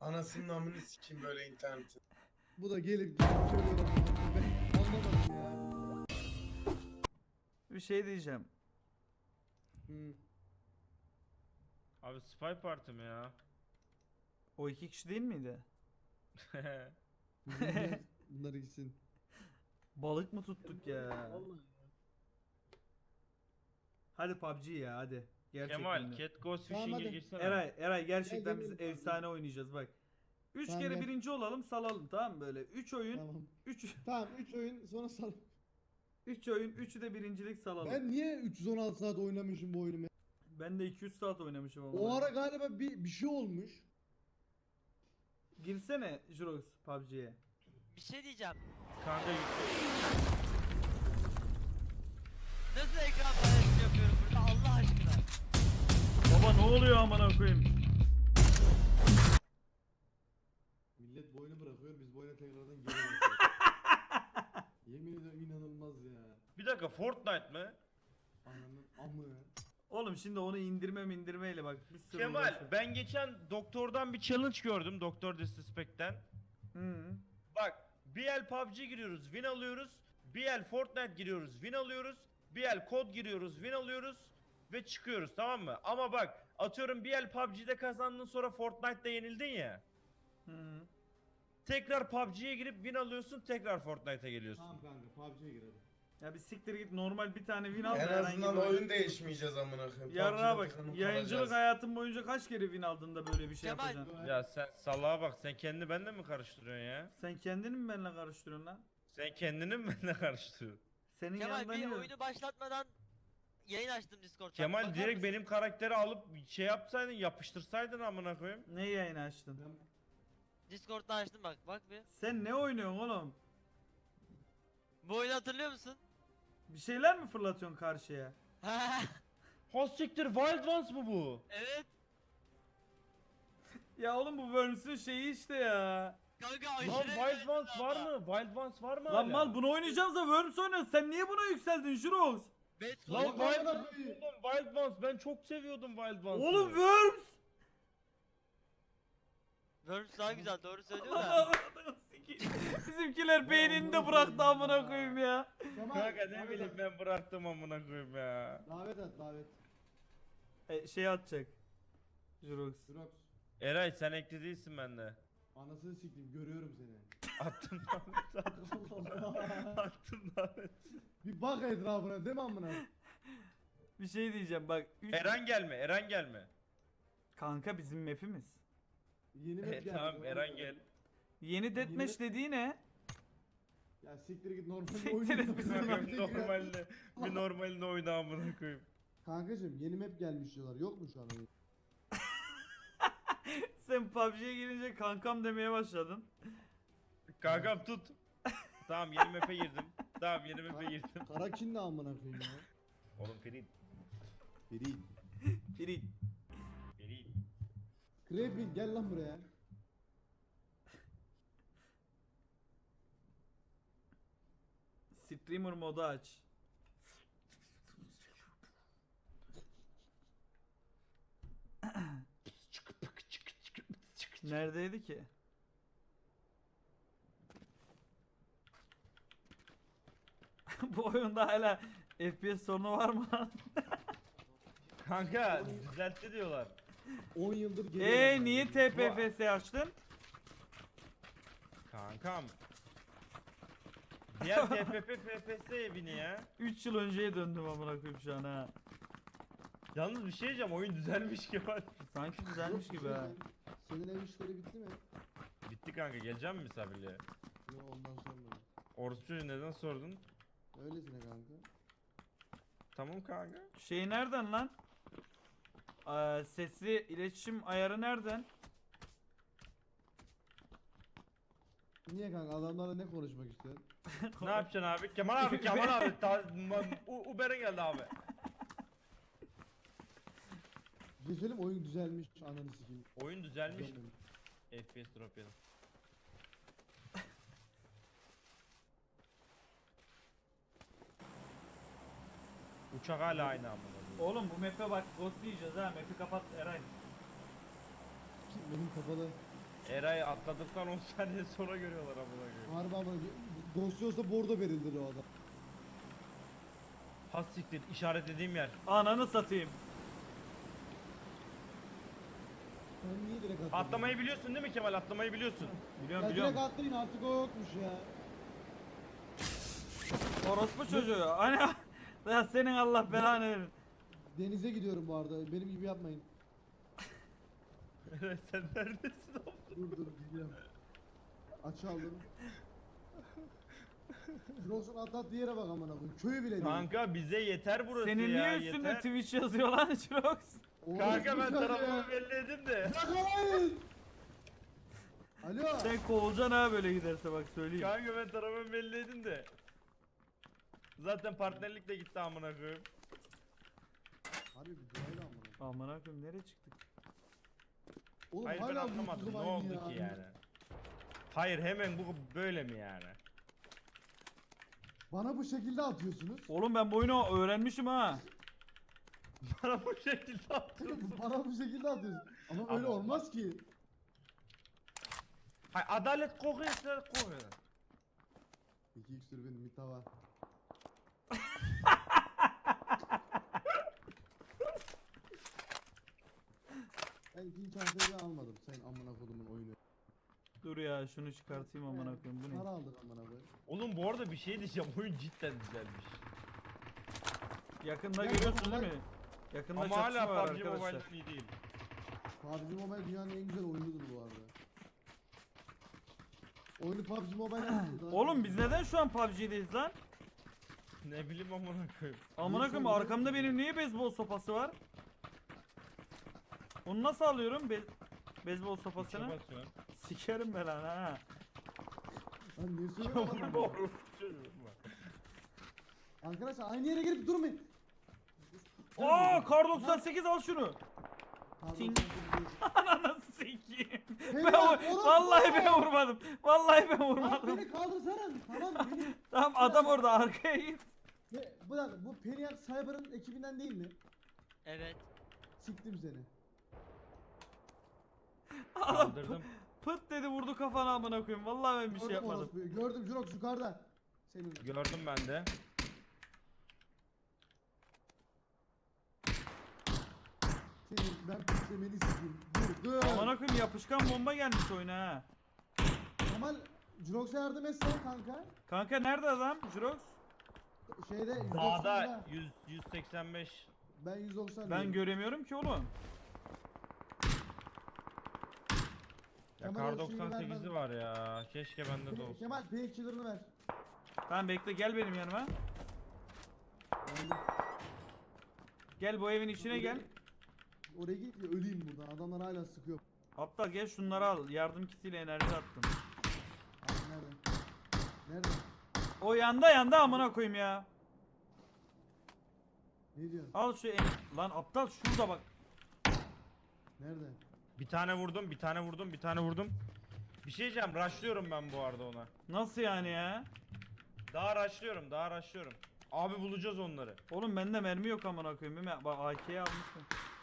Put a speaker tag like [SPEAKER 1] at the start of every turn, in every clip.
[SPEAKER 1] Anasının amını sikeyim böyle internetin.
[SPEAKER 2] Bu da gelip söylüyor. Ben anlamadım ya.
[SPEAKER 3] Bir şey diyeceğim.
[SPEAKER 2] Hı.
[SPEAKER 4] Abi Spy Party mi ya?
[SPEAKER 3] O iki kişi değil miydi?
[SPEAKER 2] Bunlar gitsin.
[SPEAKER 3] Balık mı tuttuk ya?
[SPEAKER 2] Vallahi.
[SPEAKER 3] Hadi PUBG ya hadi. Gerçekten
[SPEAKER 4] Kemal,
[SPEAKER 3] de.
[SPEAKER 4] Cat Ghost
[SPEAKER 2] Tamam,
[SPEAKER 4] Fishing'e
[SPEAKER 2] hadi.
[SPEAKER 4] girsene.
[SPEAKER 3] Eray gerçekten
[SPEAKER 2] Gel,
[SPEAKER 3] biz
[SPEAKER 2] gelin.
[SPEAKER 3] efsane oynayacağız bak. 3
[SPEAKER 2] Tamam,
[SPEAKER 3] kere
[SPEAKER 2] gel.
[SPEAKER 3] birinci olalım salalım tamam mı böyle? 3 oyun,
[SPEAKER 2] Tamam.
[SPEAKER 3] 3
[SPEAKER 2] Tamam 3 oyun sonra sal.
[SPEAKER 3] 3 oyun, 3'ü de birincilik salalım.
[SPEAKER 2] Ben niye 316 saat oynamışım bu oyunu?
[SPEAKER 3] Ben de 200 saat oynamışım ama.
[SPEAKER 2] O ara galiba bir şey olmuş.
[SPEAKER 3] Girsene Jurox PUBG'ye.
[SPEAKER 5] Bir şey diyeceğim.
[SPEAKER 4] Kanka
[SPEAKER 5] Nasıl ekran paylaşımı yapıyorum burada Allah aşkına?
[SPEAKER 3] Baba ne oluyor amına koyayım?
[SPEAKER 2] Millet bu oyunu bırakıyor, biz bu oyuna tekrardan geri dönüyoruz. Yemin ediyorum inanılmaz ya.
[SPEAKER 4] bir dakika, Fortnite mi?
[SPEAKER 2] Ananın amı.
[SPEAKER 3] Oğlum şimdi onu indirmeyle bak bir sürü
[SPEAKER 4] Kemal,
[SPEAKER 3] uğraşıyor.
[SPEAKER 4] ben geçen doktordan bir challenge gördüm, Doktor Disrespect'ten.
[SPEAKER 3] Hı.
[SPEAKER 4] Bak, bir el PUBG giriyoruz, win alıyoruz. Bir el Fortnite giriyoruz, win alıyoruz. Bir el kod giriyoruz, win alıyoruz. Ve çıkıyoruz, tamam mı? Ama bak, atıyorum bir el PUBG'de kazandın, sonra Fortnite'da yenildin ya.
[SPEAKER 3] Hı.
[SPEAKER 4] Tekrar PUBG'ye girip win alıyorsun, tekrar Fortnite'a geliyorsun.
[SPEAKER 2] Tamam kanka PUBG'ye girelim.
[SPEAKER 3] Ya bir siktir git normal bir tane win al.
[SPEAKER 1] En
[SPEAKER 3] da herhangi
[SPEAKER 1] azından
[SPEAKER 3] bir
[SPEAKER 1] oyun değişmeyeceğiz amına koyayım.
[SPEAKER 3] Yarrağa
[SPEAKER 1] PUBG'de
[SPEAKER 3] bak.
[SPEAKER 1] tıkanıp
[SPEAKER 3] Yayıncılık
[SPEAKER 1] kalacağız.
[SPEAKER 3] hayatın boyunca kaç kere win aldın da böyle bir şey
[SPEAKER 5] Kemal.
[SPEAKER 3] yapacaksın?
[SPEAKER 4] Ya sen salağa bak, sen kendini benimle mi karıştırıyorsun ya?
[SPEAKER 3] Sen kendini mi benimle karıştırıyorsun lan?
[SPEAKER 4] Sen kendini mi benimle karıştırıyorsun?
[SPEAKER 3] Senin
[SPEAKER 5] Kemal
[SPEAKER 3] yanında
[SPEAKER 5] bir
[SPEAKER 3] ne?
[SPEAKER 5] oyunu başlatmadan yayın açtım Discord'dan.
[SPEAKER 4] Kemal
[SPEAKER 5] Bakar
[SPEAKER 4] direkt
[SPEAKER 5] mısın?
[SPEAKER 4] benim karakteri alıp şey yapsaydın, yapıştırsaydın amına koyayım.
[SPEAKER 3] Ne yayını açtın?
[SPEAKER 2] Ben
[SPEAKER 5] Discord'dan açtım bak bir.
[SPEAKER 3] Sen ne oynuyorsun oğlum?
[SPEAKER 5] Bu oyunu hatırlıyor musun?
[SPEAKER 3] Bir şeyler mi fırlatıyorsun karşıya?
[SPEAKER 4] Ha siktir, Wild Ones mı bu?
[SPEAKER 5] Evet.
[SPEAKER 3] Ya oğlum bu Worms'ün şeyi işte ya.
[SPEAKER 5] Kanka
[SPEAKER 4] Lan
[SPEAKER 5] aşırı
[SPEAKER 4] Wild
[SPEAKER 5] eğlenceli
[SPEAKER 4] Ones var
[SPEAKER 5] ama.
[SPEAKER 4] mı? Wild Ones var mı
[SPEAKER 3] Lan
[SPEAKER 4] hala?
[SPEAKER 3] mal bunu oynayacağız da Worms oynuyoruz. Sen niye buna yükseldin Jurox?
[SPEAKER 5] Bet
[SPEAKER 4] Lan
[SPEAKER 5] koydum.
[SPEAKER 4] Wild
[SPEAKER 2] amına
[SPEAKER 4] Ones
[SPEAKER 2] koyayım.
[SPEAKER 4] oğlum, Wild Ones, ben çok seviyordum Wild Ones'ı.
[SPEAKER 3] Oğlum Worms!
[SPEAKER 5] Worms daha güzel doğru söylüyor da.
[SPEAKER 3] Bizimkiler beynini de bıraktı amına koyayım ya.
[SPEAKER 2] Kemal,
[SPEAKER 4] Kanka ne
[SPEAKER 2] davet
[SPEAKER 4] bileyim,
[SPEAKER 2] at.
[SPEAKER 4] ben bıraktım amına koyayım ya.
[SPEAKER 2] Davet at davet.
[SPEAKER 3] Şey atacak. Jurox.
[SPEAKER 2] Drox.
[SPEAKER 4] Eray sen ekli değilsin bende.
[SPEAKER 2] Anasını siktim görüyorum seni.
[SPEAKER 4] Attım davet, attım davet.
[SPEAKER 2] Bir bak etrafına değil mi amına?
[SPEAKER 3] Bir şey diyeceğim bak.
[SPEAKER 4] Eren gelme, Eren gelme.
[SPEAKER 3] Kanka bizim map'imiz.
[SPEAKER 2] Yeni map geldi.
[SPEAKER 4] Tamam
[SPEAKER 2] oğlum.
[SPEAKER 4] Eren gel.
[SPEAKER 3] Yeni deathmatch dediği ne?
[SPEAKER 2] Ya siktir git normal
[SPEAKER 3] Siktir
[SPEAKER 2] oyun.
[SPEAKER 3] et bizim
[SPEAKER 4] Normalde bir normalde oyna amına koyayım.
[SPEAKER 2] Kankacım yeni map gelmiş diyorlar. Yok mu şu an oyun?
[SPEAKER 3] Sen PUBG'ye girince kankam demeye başladın.
[SPEAKER 4] Kankam tut. Tamam, yeni map'e girdim. Tamam, yeni map'e girdim.
[SPEAKER 2] Karakin ne amına koyayım ya?
[SPEAKER 4] Oğlum Ferit.
[SPEAKER 2] Biri.
[SPEAKER 3] Biri.
[SPEAKER 4] Ferit.
[SPEAKER 2] Krepin gel lan buraya.
[SPEAKER 3] Streamer modu aç. Neredeydi ki? Bu oyunda hala FPS sorunu var mı?
[SPEAKER 4] Kanka düzeltti diyorlar.
[SPEAKER 2] 10 yıldır geliyor.
[SPEAKER 3] Niye TPFS açtın?
[SPEAKER 4] Kankam. Diğer TPP FPS evini ya.
[SPEAKER 3] 3 yıl önceye döndüm amına koyayım şu an ha.
[SPEAKER 4] Yalnız bir şey diyeceğim, oyun düzelmiş Kemal.
[SPEAKER 3] Sanki düzelmiş gibi ha.
[SPEAKER 2] Senin ev işleri bitti mi?
[SPEAKER 4] Bitti kanka, geleceğim mi misafirliğe?
[SPEAKER 2] Yok ondan sonra.
[SPEAKER 4] Orospu çocuğu, neden sordun?
[SPEAKER 2] Öylesine kanka.
[SPEAKER 4] Tamam kanka.
[SPEAKER 3] Şey nereden lan? Sesli iletişim ayarı nereden?
[SPEAKER 2] Niye kanka adamlarla ne konuşmak istiyorsun?
[SPEAKER 4] Ne yapacaksın abi? Kemal abi, Kemal abi. Uber'e geldi abi.
[SPEAKER 2] Bir şey söyleyeyim mi? Oyun düzelmiş ananı sikeyim.
[SPEAKER 4] Oyun düzelmiş.
[SPEAKER 2] Düzelmemiş.
[SPEAKER 4] FPS drop yedim. Uçak hala aynı amına.
[SPEAKER 3] Oğlum bu map'e bak ghost diyeceğiz ha. Map'i kapat Eray.
[SPEAKER 2] Benim kapalı.
[SPEAKER 4] Eray atladıktan 10 saniye sonra görüyorlar amına koyayım.
[SPEAKER 2] Harbi ama Ghost olsa bordo verildi o adam.
[SPEAKER 4] Has siktir işaretlediğim yer.
[SPEAKER 3] Ananı satayım.
[SPEAKER 2] Sen niye direkt atladın?
[SPEAKER 4] Atlamayı biliyorsun değil mi Kemal? Atlamayı biliyorsun.
[SPEAKER 3] Biliyorum
[SPEAKER 2] Ya
[SPEAKER 3] biliyorum.
[SPEAKER 2] direkt atlayın artık o yokmuş ya.
[SPEAKER 3] Orospu çocuğu. Hani ya senin Allah belanı verin.
[SPEAKER 2] Denize gidiyorum bu arada. Benim gibi yapmayın.
[SPEAKER 4] Eray sen neredesin oğlum?
[SPEAKER 2] Dur gidiyorum. Aç aldım. Jirox'un atlattığı yere bak amına koyayım. Köyü bile değil.
[SPEAKER 4] Kanka bize yeter burası
[SPEAKER 3] Senin
[SPEAKER 4] ya.
[SPEAKER 3] niye üstünde
[SPEAKER 4] yeter.
[SPEAKER 3] Twitch yazıyor lan Jirox?
[SPEAKER 2] Oğlum,
[SPEAKER 4] Kanka ben
[SPEAKER 2] güzel ya.
[SPEAKER 4] tarafımı belli edeyim de.
[SPEAKER 2] Bırakmayın. Alo.
[SPEAKER 3] Sen kovulacaksın ha böyle giderse bak söyleyeyim.
[SPEAKER 4] Kanka ben tarafımı belli edeyim de. Zaten partnerlik de gitti amına koyayım.
[SPEAKER 2] Harbi bir durayla amına.
[SPEAKER 3] Aman akım nereye çıktık?
[SPEAKER 2] Oğlum
[SPEAKER 4] Hayır ben
[SPEAKER 2] hala
[SPEAKER 4] anlamadım.
[SPEAKER 2] mutsuzum
[SPEAKER 4] Ne
[SPEAKER 2] aynı
[SPEAKER 4] oldu
[SPEAKER 2] ya.
[SPEAKER 4] ki yani? Hayır hemen bu böyle mi yani?
[SPEAKER 2] Bana bu şekilde atıyorsunuz.
[SPEAKER 3] Oğlum ben bu oyunu öğrenmişim ha.
[SPEAKER 4] Bana bu şekilde atıyorsun.
[SPEAKER 2] Bana bu şekilde atıyorsun. Ama öyle
[SPEAKER 4] Ama-
[SPEAKER 2] olmaz ki.
[SPEAKER 4] Hayır adalet kokuyor, adalet kokuyor.
[SPEAKER 2] 2x türbin mitava. Ben ikinci çantayı da almadım. Sen amına kodumun oyunu.
[SPEAKER 3] Dur ya şunu çıkartayım aman akım bu
[SPEAKER 2] Para
[SPEAKER 3] ne?
[SPEAKER 2] aldık amına koyayım.
[SPEAKER 4] Oğlum bu arada bir şey diyeceğim. Oyun cidden güzelmiş.
[SPEAKER 3] Yakında
[SPEAKER 2] Ya,
[SPEAKER 3] görüyorsun
[SPEAKER 2] ya,
[SPEAKER 3] değil mi? Yakında
[SPEAKER 4] Ama
[SPEAKER 3] çatışma
[SPEAKER 4] hala
[SPEAKER 3] var
[SPEAKER 4] PUBG
[SPEAKER 3] arkadaşlar.
[SPEAKER 4] Mobile'den iyi değil.
[SPEAKER 2] PUBG Mobile dünyanın en güzel oyunudur bu arada. Oyunu PUBG Mobile yaptı.
[SPEAKER 3] Oğlum biz neden şu an PUBG'deyiz lan?
[SPEAKER 4] Ne bileyim amına koyayım.
[SPEAKER 3] Amına koyayım
[SPEAKER 2] sonra-
[SPEAKER 3] arkamda benim niye beyzbol sopası var? Onu nasıl alıyorum beyzbol sopasını?
[SPEAKER 4] İçe basıyorsun.
[SPEAKER 3] Sikerim ben lan ha.
[SPEAKER 2] Lan ne
[SPEAKER 4] Çok
[SPEAKER 2] söylüyorsun?
[SPEAKER 4] doğru. Çocuğum var.
[SPEAKER 2] Arkadaşlar aynı yere girip durmayın.
[SPEAKER 3] Aa kar 98 al şunu.
[SPEAKER 2] Pardon,
[SPEAKER 3] Ting.
[SPEAKER 2] pardon.
[SPEAKER 3] Ananı sikeyim.
[SPEAKER 2] Helal,
[SPEAKER 3] Ben
[SPEAKER 2] oğlum,
[SPEAKER 3] vallahi ben
[SPEAKER 2] bravo.
[SPEAKER 3] vurmadım. Vallahi ben
[SPEAKER 2] Lan
[SPEAKER 3] vurmadım.
[SPEAKER 2] beni kaldırsana. Tamam beni.
[SPEAKER 3] Tamam adam orada arkaya git.
[SPEAKER 2] Bu dakika bu Peniak Cyber'ın ekibinden değil mi?
[SPEAKER 5] Evet.
[SPEAKER 2] Siktim seni.
[SPEAKER 3] Adam
[SPEAKER 4] Kaldırdım.
[SPEAKER 3] pıt dedi vurdu kafana amına koyayım. Vallahi ben bir şey
[SPEAKER 2] Gördüm
[SPEAKER 3] yapmadım.
[SPEAKER 2] orospuyu. Gördüm Jirox yukarıda. Senin.
[SPEAKER 4] Gördüm ben de.
[SPEAKER 2] Senin ben piklemeni sikeyim. Dur.
[SPEAKER 3] Amına koyayım yapışkan bomba gelmiş oyuna ha.
[SPEAKER 2] Kemal Jirox'a yardım etsene kanka.
[SPEAKER 3] Kanka nerede adam? Jirox?
[SPEAKER 2] Şeyde 190'da.
[SPEAKER 4] Dağda 185.
[SPEAKER 2] Ben 190
[SPEAKER 3] Ben
[SPEAKER 2] diyorum.
[SPEAKER 3] göremiyorum ki oğlum.
[SPEAKER 4] Ya
[SPEAKER 2] Kemal
[SPEAKER 4] kar
[SPEAKER 2] o şeyi ver
[SPEAKER 4] 98'i
[SPEAKER 2] ben-
[SPEAKER 4] var ya. Keşke bende de olsun.
[SPEAKER 2] Kemal painkiller'ını ver.
[SPEAKER 3] Tamam bekle gel benim yanıma.
[SPEAKER 2] Geldim.
[SPEAKER 3] Gel bu evin içine gel.
[SPEAKER 2] Oraya git ya öleyim buradan. Adamlar hala sıkıyor.
[SPEAKER 3] Aptal gel şunları al. Yardım kitiyle enerji attım.
[SPEAKER 2] Abi nerede? Nerede?
[SPEAKER 3] O yanda amına koyayım ya.
[SPEAKER 2] Ne diyorsun?
[SPEAKER 3] Al şu lan aptal şurada bak.
[SPEAKER 2] Nerede?
[SPEAKER 4] Bir tane vurdum, bir tane vurdum, bir tane vurdum. Bir şey diyeceğim, rushlıyorum ben bu arada ona.
[SPEAKER 3] Nasıl yani ya?
[SPEAKER 4] Daha rushlıyorum, daha rushlıyorum. Abi bulacağız onları.
[SPEAKER 3] Oğlum bende mermi yok amına koyayım. Bak AK'yi almışım.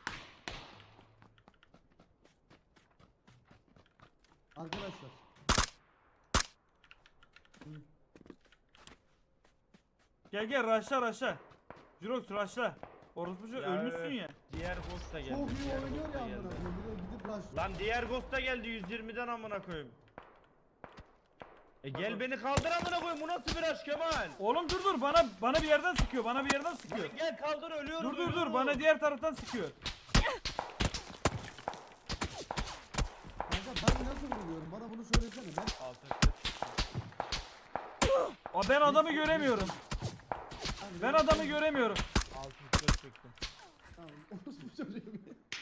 [SPEAKER 2] Arkadaşlar.
[SPEAKER 3] Gel raşla. Jirox raşla. Orospu çocuğu ölmüşsün
[SPEAKER 4] evet.
[SPEAKER 3] ya.
[SPEAKER 4] Diğer ghost da geldi.
[SPEAKER 2] Çok iyi
[SPEAKER 4] diğer
[SPEAKER 2] oynuyor
[SPEAKER 4] ghost da
[SPEAKER 2] ya
[SPEAKER 4] geldi.
[SPEAKER 2] amına koyayım. Bir de gidip rush.
[SPEAKER 4] Lan diğer ghost da geldi 120'den amına koyayım. Gel beni kaldır amına koyayım. Bu nasıl bir rush Kemal?
[SPEAKER 3] Oğlum dur bana bir yerden sıkıyor. Bana bir yerden sıkıyor.
[SPEAKER 4] Gel kaldır ölüyorum.
[SPEAKER 3] Dur
[SPEAKER 4] ölüyorum.
[SPEAKER 3] bana diğer taraftan sıkıyor.
[SPEAKER 2] Kanka ben nasıl vuruyorum? Bana bunu söylesene. Ben
[SPEAKER 4] Altın.
[SPEAKER 3] Aa, ben adamı göremiyorum. Ben adamı göremiyorum.
[SPEAKER 4] Altın çektim.
[SPEAKER 2] Tamam. Orospu çocuğum.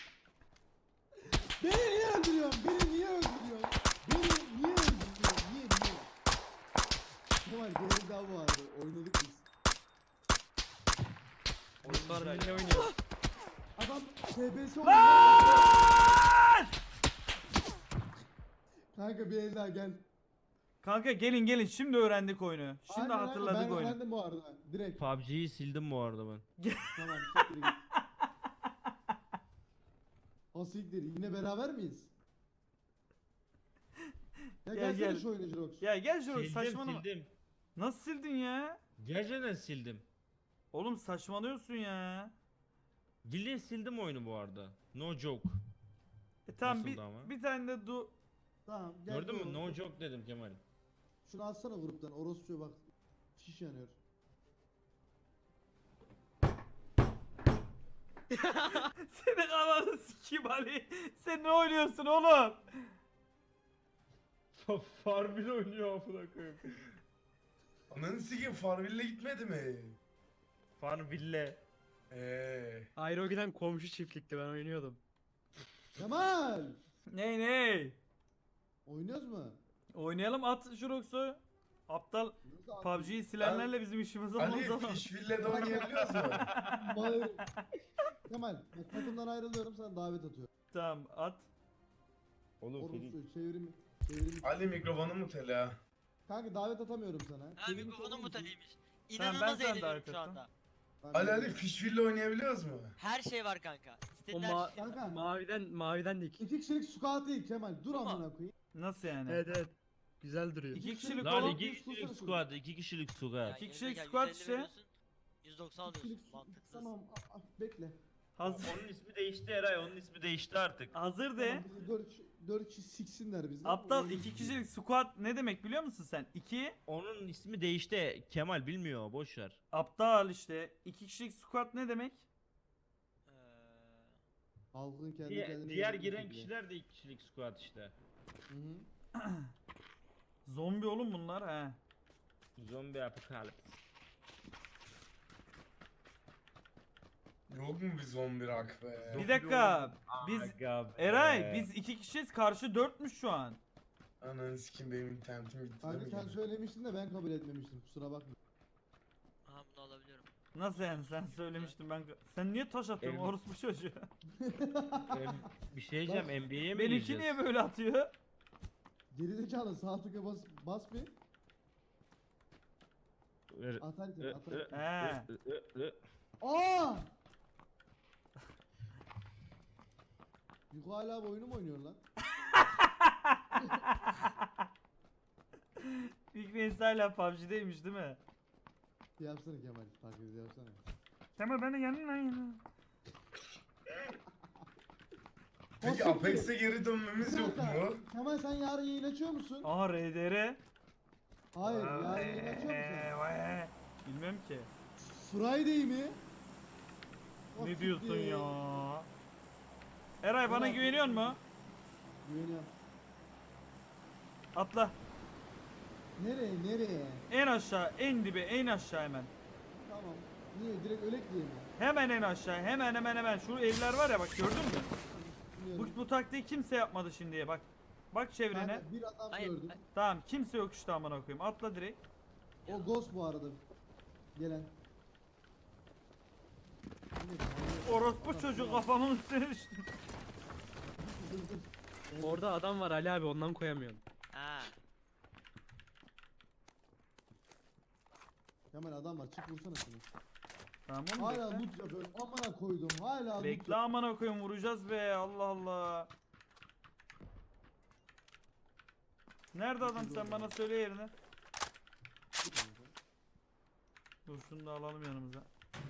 [SPEAKER 2] Beni niye öldürüyorsun? Beni niye öldürüyorsun? Beni niye öldürüyorsun? Niye? Kemal bir daha bu vardı. Oynadık biz.
[SPEAKER 4] Oyunlar ne oynuyor?
[SPEAKER 2] Adam TBS oynuyor.
[SPEAKER 3] Lan!
[SPEAKER 2] Kanka bir el daha gel.
[SPEAKER 3] Kanka gelin şimdi öğrendik oyunu. Şimdi
[SPEAKER 2] Aynen,
[SPEAKER 3] hatırladık
[SPEAKER 2] ben
[SPEAKER 3] oyunu.
[SPEAKER 2] öğrendim bu arada. Direkt.
[SPEAKER 4] PUBG'yi sildim bu arada ben.
[SPEAKER 2] Tamam. Siktir git. O siktir. Yine beraber miyiz? Ya
[SPEAKER 3] Gel,
[SPEAKER 2] gelsene
[SPEAKER 3] gel.
[SPEAKER 2] şu oyuna Jirox.
[SPEAKER 3] Ya gel şuraya
[SPEAKER 4] Sildim
[SPEAKER 3] saçmalama.
[SPEAKER 4] sildim.
[SPEAKER 3] Nasıl sildin ya?
[SPEAKER 4] Gerçekten sildim.
[SPEAKER 3] Oğlum saçmalıyorsun ya.
[SPEAKER 4] Bildiğin sildim oyunu bu arada. No joke.
[SPEAKER 3] Tamam
[SPEAKER 4] Nasıldı ama?
[SPEAKER 3] bir tane de du
[SPEAKER 2] Tamam gel.
[SPEAKER 4] Gördün mü?
[SPEAKER 2] dur.
[SPEAKER 4] No joke dedim Kemal.
[SPEAKER 2] Şunu atsana gruptan. Orospu'ya bak. Şiş yanıyor.
[SPEAKER 3] Senin kafanı sikeyim Ali. Sen ne oynuyorsun oğlum?
[SPEAKER 4] Farmville oynuyor amına koyayım.
[SPEAKER 1] Ananı sikeyim Farmville'e gitmedi mi?
[SPEAKER 4] Farmville.
[SPEAKER 6] Ayrı o giden komşu çiftlikti ben oynuyordum.
[SPEAKER 2] Kemal!
[SPEAKER 3] Ney?
[SPEAKER 2] Oynuyoruz mu?
[SPEAKER 3] Oynayalım at Jurox'u. Aptal
[SPEAKER 2] Nasıl abi?
[SPEAKER 3] PUBG'yi silenlerle bizim işimiz olmaz
[SPEAKER 1] Ali
[SPEAKER 3] ama.
[SPEAKER 1] Fishville'de oynayabiliyoruz mu?
[SPEAKER 2] Hayır. Kemal bak takımdan ayrılıyorum sana davet atıyorum.
[SPEAKER 3] Tamam at.
[SPEAKER 4] Oğlum Ferit.
[SPEAKER 2] Orospu çevirim.
[SPEAKER 1] Ali mikrofonu mu tela?
[SPEAKER 2] Kanka davet atamıyorum sana.
[SPEAKER 5] Ha
[SPEAKER 2] Çevirim
[SPEAKER 5] mikrofonum
[SPEAKER 2] sorun
[SPEAKER 5] mu
[SPEAKER 2] musun?
[SPEAKER 5] taliymiş?
[SPEAKER 3] Tamam, ben
[SPEAKER 5] İnanılmaz
[SPEAKER 3] sana
[SPEAKER 5] eğleniyorum
[SPEAKER 3] davet
[SPEAKER 5] şu
[SPEAKER 3] ettim.
[SPEAKER 5] anda.
[SPEAKER 1] Ali Fishville oynayabiliyoruz mu?
[SPEAKER 5] Her şey var kanka.
[SPEAKER 6] O
[SPEAKER 5] İstediğin her şey var.
[SPEAKER 2] Kanka.
[SPEAKER 6] maviden de iki.
[SPEAKER 2] 2 kişilik squat değil Kemal. Dur
[SPEAKER 5] Ama-
[SPEAKER 2] amına koyayım.
[SPEAKER 3] Nasıl yani?
[SPEAKER 6] Evet evet. Güzel duruyor.
[SPEAKER 3] İki kişilik
[SPEAKER 4] Lan
[SPEAKER 3] oğlum.
[SPEAKER 4] 2 kişilik squad, 2 kişilik squad.
[SPEAKER 5] Ya
[SPEAKER 3] İki
[SPEAKER 5] yerine
[SPEAKER 3] kişilik
[SPEAKER 5] gel,
[SPEAKER 3] squat
[SPEAKER 5] 150
[SPEAKER 3] işte.
[SPEAKER 5] veriyorsun, 190 alıyorsun.
[SPEAKER 2] Kişilik
[SPEAKER 5] Mantıksız.
[SPEAKER 2] Tamam bekle.
[SPEAKER 3] Hazır.
[SPEAKER 4] Onun ismi değişti Eray, onun ismi değişti artık.
[SPEAKER 3] Hazır de.
[SPEAKER 2] Tamam, bizi 4 kişi siksinler bizi.
[SPEAKER 3] Aptal 2 kişilik squad ne demek biliyor musun sen? 2
[SPEAKER 4] Onun ismi değişti. Kemal bilmiyor, boş ver.
[SPEAKER 3] aptal işte. 2 kişilik squad ne demek?
[SPEAKER 5] Ee,
[SPEAKER 2] Halkın kendi
[SPEAKER 4] Diğer,
[SPEAKER 2] kendine
[SPEAKER 4] diğer
[SPEAKER 2] yönetim
[SPEAKER 4] giren
[SPEAKER 2] şekli.
[SPEAKER 4] kişiler de 2 kişilik squad işte.
[SPEAKER 2] Hı hı.
[SPEAKER 3] Zombi oğlum bunlar he.
[SPEAKER 4] Zombi apokalips.
[SPEAKER 1] Yok mu bir zombi rak be?
[SPEAKER 3] Bir dakika. Biz
[SPEAKER 4] Aga be.
[SPEAKER 3] Eray biz 2 kişiyiz karşı 4'müş şu an.
[SPEAKER 1] Ananı sikeyim benim internetim gitti.
[SPEAKER 2] Kanka
[SPEAKER 1] değil
[SPEAKER 2] sen
[SPEAKER 1] mi?
[SPEAKER 2] söylemiştin de ben kabul etmemiştim kusura bakma.
[SPEAKER 5] aha bunu alabiliyorum.
[SPEAKER 3] Nasıl yani sen söylemiştin ben. Sen niye taş atıyorsun
[SPEAKER 4] Ev-
[SPEAKER 3] orospu çocuğu?
[SPEAKER 4] Bir şey diyeceğim, NBA'ye mi
[SPEAKER 3] Benimki
[SPEAKER 4] gireceğiz?
[SPEAKER 3] niye böyle atıyor?
[SPEAKER 2] Gerizekalı sağ tıka bas bir.
[SPEAKER 4] Ver-
[SPEAKER 2] Atarken
[SPEAKER 4] Ö-
[SPEAKER 2] atarken.
[SPEAKER 3] He.
[SPEAKER 2] Aa! Yuko hala bu oyunu mu oynuyor lan?
[SPEAKER 3] Fikri hala PUBG'deymiş değil mi?
[SPEAKER 2] Yapsana Kemal taklit yapsana.
[SPEAKER 3] Kemal ben de geldim lan yana.
[SPEAKER 1] Peki
[SPEAKER 2] Nasıl
[SPEAKER 1] Apex'e geri dönmemiz yok mu?
[SPEAKER 2] Kemal sen yarın yayın açıyor musun?
[SPEAKER 3] Aha RDR.
[SPEAKER 2] Hayır yarın yayın açıyor musun?
[SPEAKER 3] Bilmem ki.
[SPEAKER 2] Friday mi? O
[SPEAKER 3] Ne diyorsun
[SPEAKER 2] siktir.
[SPEAKER 3] ya? Eray bana
[SPEAKER 2] Ulan,
[SPEAKER 3] güveniyor mu?
[SPEAKER 2] Güveniyorum.
[SPEAKER 3] Atla.
[SPEAKER 2] Nereye?
[SPEAKER 3] En aşağı, en dibe, en aşağı hemen.
[SPEAKER 2] Tamam. Niye? Direkt ölek diye mi?
[SPEAKER 3] Hemen en aşağı, hemen. Şu evler var ya bak gördün mü?
[SPEAKER 2] Biliyorum.
[SPEAKER 3] Bu taktiği kimse yapmadı şimdiye bak. Bak çevrene.
[SPEAKER 2] Kanka, bir adam
[SPEAKER 5] Hayır.
[SPEAKER 2] gördüm.
[SPEAKER 3] Tamam kimse yok işte amına koyayım. Atla direkt.
[SPEAKER 2] O Ghost bu arada. Gelen.
[SPEAKER 3] Orospu çocuğu kafamın üstüne düştü.
[SPEAKER 6] Orada adam var Ali abi ondan koyamıyorum.
[SPEAKER 5] Ha.
[SPEAKER 2] Kemal adam var çık vursana şunu.
[SPEAKER 3] Tamam oğlum
[SPEAKER 2] Hala
[SPEAKER 3] bekle.
[SPEAKER 2] loot yapıyorum. Amına koydum. Hala loot
[SPEAKER 3] Bekle amına koyayım vuracağız be Allah Allah. Nerede adam sen bana söyle yerini.
[SPEAKER 2] yapıyorum.
[SPEAKER 3] Dur şunu da alalım yanımıza.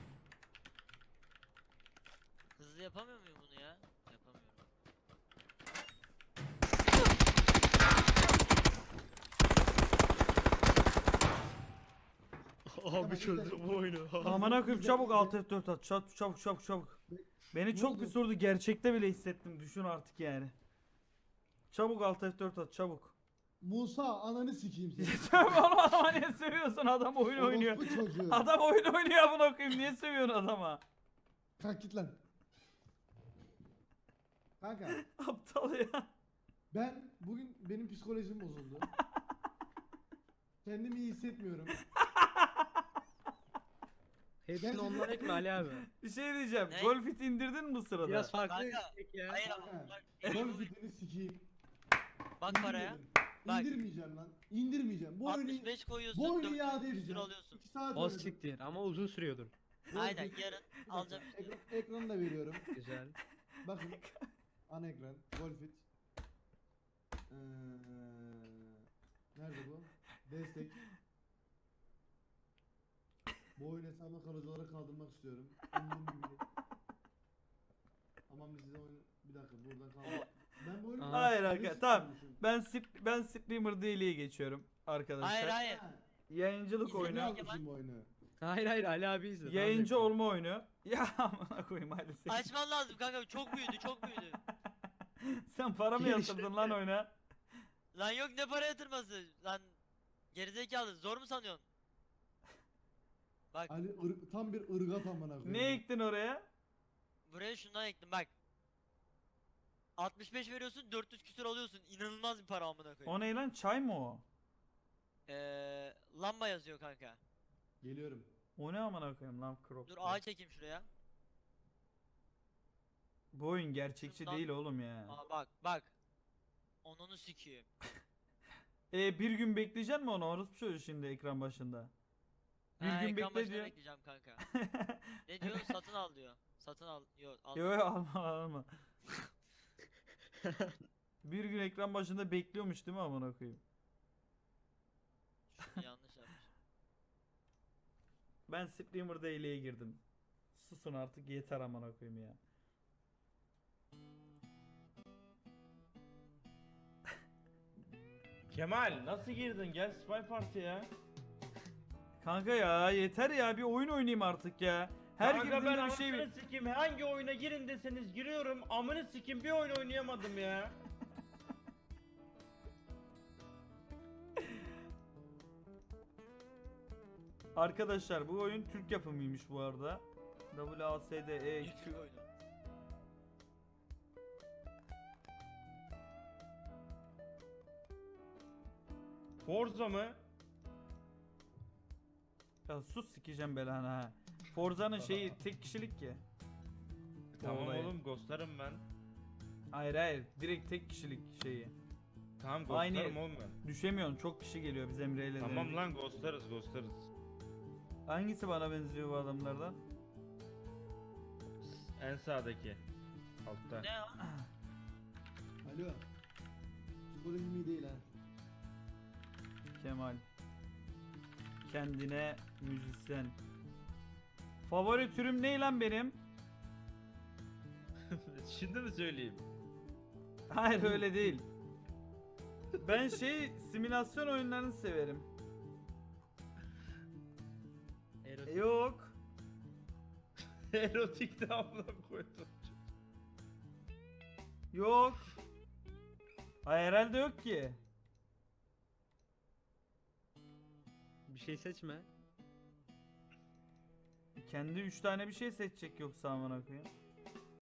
[SPEAKER 5] Hızlı yapamıyor muyum bunu ya? Yapamıyorum.
[SPEAKER 6] Abi çözdüm bu oyunu.
[SPEAKER 3] Amına koyayım çabuk alt F4 at. Çabuk. Beni
[SPEAKER 2] Ne
[SPEAKER 3] çok
[SPEAKER 2] oldu?
[SPEAKER 3] bir sordu gerçekte bile hissettim düşün artık yani. Çabuk alt F4 at çabuk.
[SPEAKER 2] Musa ananı sikeyim seni.
[SPEAKER 3] Sövme oğlum adama niye sövüyorsun adam oyun oynuyor.
[SPEAKER 2] Orospu çocuğu.
[SPEAKER 3] Adam oyun oynuyor amına koyayım niye sövüyorsun adama?
[SPEAKER 2] Kalk git lan. Kanka
[SPEAKER 3] Aptal ya.
[SPEAKER 2] ben bugün benim psikolojim bozuldu. Kendimi iyi hissetmiyorum.
[SPEAKER 6] Hepsini ondan ekme Ali abi.
[SPEAKER 3] Bir şey diyeceğim.
[SPEAKER 5] Ne?
[SPEAKER 3] Golfit indirdin mi bu sırada?
[SPEAKER 6] Biraz farklı
[SPEAKER 5] Kanka,
[SPEAKER 6] istek ya.
[SPEAKER 5] Hayır
[SPEAKER 2] Kanka,
[SPEAKER 5] ama bak.
[SPEAKER 2] Gol fitini sikeyim.
[SPEAKER 5] Bak paraya.
[SPEAKER 2] İndirmedim.
[SPEAKER 5] Bak.
[SPEAKER 2] İndirmeyeceğim lan. İndirmeyeceğim. Bu oyunu
[SPEAKER 5] 65 koyuyorsun.
[SPEAKER 2] bu oyunu
[SPEAKER 5] 400
[SPEAKER 2] iade
[SPEAKER 5] küsür
[SPEAKER 2] edeceğim.
[SPEAKER 5] alıyorsun.
[SPEAKER 2] 2 saat
[SPEAKER 6] O
[SPEAKER 2] oynadım.
[SPEAKER 6] siktir ama uzun sürüyordur.
[SPEAKER 5] Aynen
[SPEAKER 2] Golfit-
[SPEAKER 5] yarın
[SPEAKER 2] Bir dakika,
[SPEAKER 5] alacağım işte.
[SPEAKER 2] Ekranı da veriyorum.
[SPEAKER 6] Güzel.
[SPEAKER 2] Bakın. Ana ekran. Golfit. Nerede bu? Destek. Bu oyun hesabına kalıcıları kaldırmak istiyorum. Umduğum gibi değil. Aman biz size oyunu... Bir dakika buradan kaldır. Ben bu oyunu...
[SPEAKER 3] Hayır
[SPEAKER 2] Ne
[SPEAKER 3] arkadaşlar tamam.
[SPEAKER 2] istiyormuşum?
[SPEAKER 3] Ben streamer değiliye geçiyorum arkadaşlar.
[SPEAKER 5] Hayır hayır.
[SPEAKER 2] Ha,
[SPEAKER 3] Yayıncılık
[SPEAKER 5] İzlemiyor
[SPEAKER 3] oyunu.
[SPEAKER 2] Ne
[SPEAKER 5] Kemal.
[SPEAKER 2] yapmışım bu oyunu?
[SPEAKER 6] Hayır Ali abi izle. daha
[SPEAKER 3] Yayıncı
[SPEAKER 6] zevkli.
[SPEAKER 3] olma oyunu. Ya amına koyayım hadi sen.
[SPEAKER 5] Açman lazım kanka, çok büyüdü çok büyüdü.
[SPEAKER 3] Sen para mı yatırdın lan oyuna?
[SPEAKER 5] Lan yok, ne para yatırması lan, gerizekalı, zor mu sanıyorsun? Bak
[SPEAKER 2] Ali tam bir ırgat amına koyayım.
[SPEAKER 3] Ne ektin oraya?
[SPEAKER 5] buraya şundan ektim bak. 65 veriyorsun, 400 küsür alıyorsun. İnanılmaz bir para amına koyayım.
[SPEAKER 3] O ne lan, çay mı o?
[SPEAKER 5] Lamba yazıyor kanka.
[SPEAKER 2] Geliyorum.
[SPEAKER 3] O ne amına koyayım lan crop.
[SPEAKER 5] Dur ağa çekeyim şuraya.
[SPEAKER 3] Bu oyun gerçekçi
[SPEAKER 5] Şundan-
[SPEAKER 3] değil oğlum ya.
[SPEAKER 5] Aa bak bak. Onunu sikiyim.
[SPEAKER 3] Bir gün bekleyeceksin mi onu? Orası çocuğu şimdi ekran başında. Bir
[SPEAKER 5] Ha,
[SPEAKER 3] gün
[SPEAKER 5] ekran
[SPEAKER 3] bekle
[SPEAKER 5] başına
[SPEAKER 3] diyor.
[SPEAKER 5] bekleyeceğim kanka. Ne diyor? Satın al diyor. Satın al. Yok al.
[SPEAKER 3] Yo yo alma alma. Bir gün ekran başında bekliyormuş değil mi amına koyayım?
[SPEAKER 5] Şunu yanlış yapmış.
[SPEAKER 3] Ben streamer değiliye girdim. Susun artık yeter amına koyayım ya.
[SPEAKER 4] Kemal nasıl girdin? Gel Spy Party'ye.
[SPEAKER 3] Kanka ya yeter ya, bir oyun oynayayım artık ya. Her
[SPEAKER 4] Kanka ben
[SPEAKER 3] girdiğimde bir şey
[SPEAKER 4] anasını sikeyim, hangi oyuna girin deseniz giriyorum. Amını sikeyim, bir oyun oynayamadım ya.
[SPEAKER 3] Arkadaşlar bu oyun Türk yapımıymış bu arada. WASD
[SPEAKER 5] Bir Türk oyunu.
[SPEAKER 4] Forza mı?
[SPEAKER 3] Ya sus sikeceğim belanı ha. Forza'nın şeyi tek kişilik ki.
[SPEAKER 4] Tamam
[SPEAKER 3] Olayı.
[SPEAKER 4] oğlum, ghostlarım ben.
[SPEAKER 3] Hayır hayır, direkt tek kişilik şeyi.
[SPEAKER 4] Tamam
[SPEAKER 3] Aynı-
[SPEAKER 4] ghostlarım oğlum ben.
[SPEAKER 3] Düşemiyorsun, çok kişi geliyor biz Emre'yle.
[SPEAKER 4] Tamam
[SPEAKER 3] denedik.
[SPEAKER 4] lan, ghostlarız.
[SPEAKER 3] Hangisi bana benziyor bu adamlardan?
[SPEAKER 4] En sağdaki. Altta.
[SPEAKER 5] Ne o?
[SPEAKER 2] Alo. Psikolojim iyi değil ha.
[SPEAKER 3] Kemal. Kendine müzisyen. Favori türüm ne lan benim?
[SPEAKER 4] Şimdi mi söyleyeyim?
[SPEAKER 3] Hayır öyle değil. Ben simülasyon oyunlarını severim.
[SPEAKER 6] Erotik.
[SPEAKER 3] Yok.
[SPEAKER 4] Erotik de abla koydum.
[SPEAKER 3] Yok. Hayır herhalde yok ki.
[SPEAKER 6] Bir şey seçme.
[SPEAKER 3] Kendi 3 tane bir şey seçecek yoksa amına koyayım.